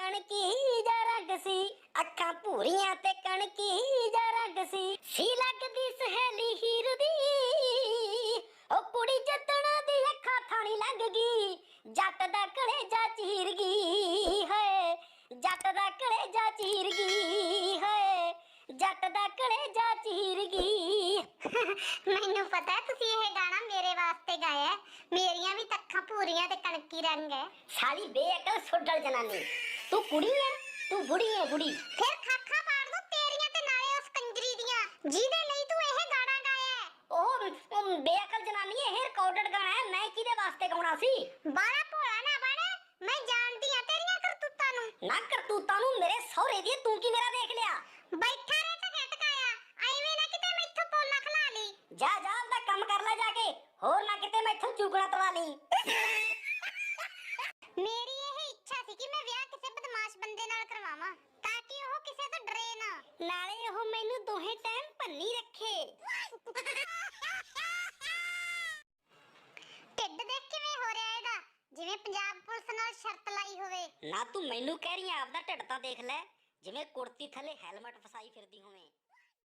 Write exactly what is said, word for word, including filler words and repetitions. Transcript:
कणकी जा रंग सी, अखां भूरियां ते कणकी जा रंग सी, सी लगदी सहेली हीर दी, ओ कुड़ी जतन दी अखां थानी लंघ गई, जट दा कलेजा चीर गई है, जट दा कलेजा चीर गई है, जट दा कलेजा चीर गई। मैनू पता है तुसी ये गाना मेरे वास्ते गाया है, मेरियां भी तक्खां पूरियां ते कणकी रंग है। साली बेअकल सुडल जनानी, तू कुड़ी है तू बुढ़ी है बुढ़ी। फिर खाखा पाड़ दो तेरियां ते नाले उस कंजरी दियां जिहदे लई तू ये गाना गाया है। ओह बेअकल जनानी ये रिकॉर्डेड गाना है, मैं किदे वास्ते गाउणा सी। बाला भोला ना बन, मैं जानदी हां तेरियां करतूतां नू। ना करतूतां नू मेरे सहुरे दी तू की मेरा देख लिया। बैठा रह ते टकाया एवें ना किते मैथों पोला खला ली। जा जा अपना काम कर ले जाके, होर ना किते मैथों चुगना तवा ली। मेरी यह इच्छा थी कि मैं ब्याह किसी बदमाश बंदे नाल करवावां ताकि ओह किसे तो डरे ना, नाले ओह मैनू दोहे टाइम भन्नी रखे। ढिड देख किवें हो रिहा एदा, जिवें पंजाब पुलिस नाल शर्त लाई होवे। ना तू मैनू कह रही है आपदा ढिड तां देख ले, जिवें कुर्ती थले हेलमेट फसाई फिरदी होवे।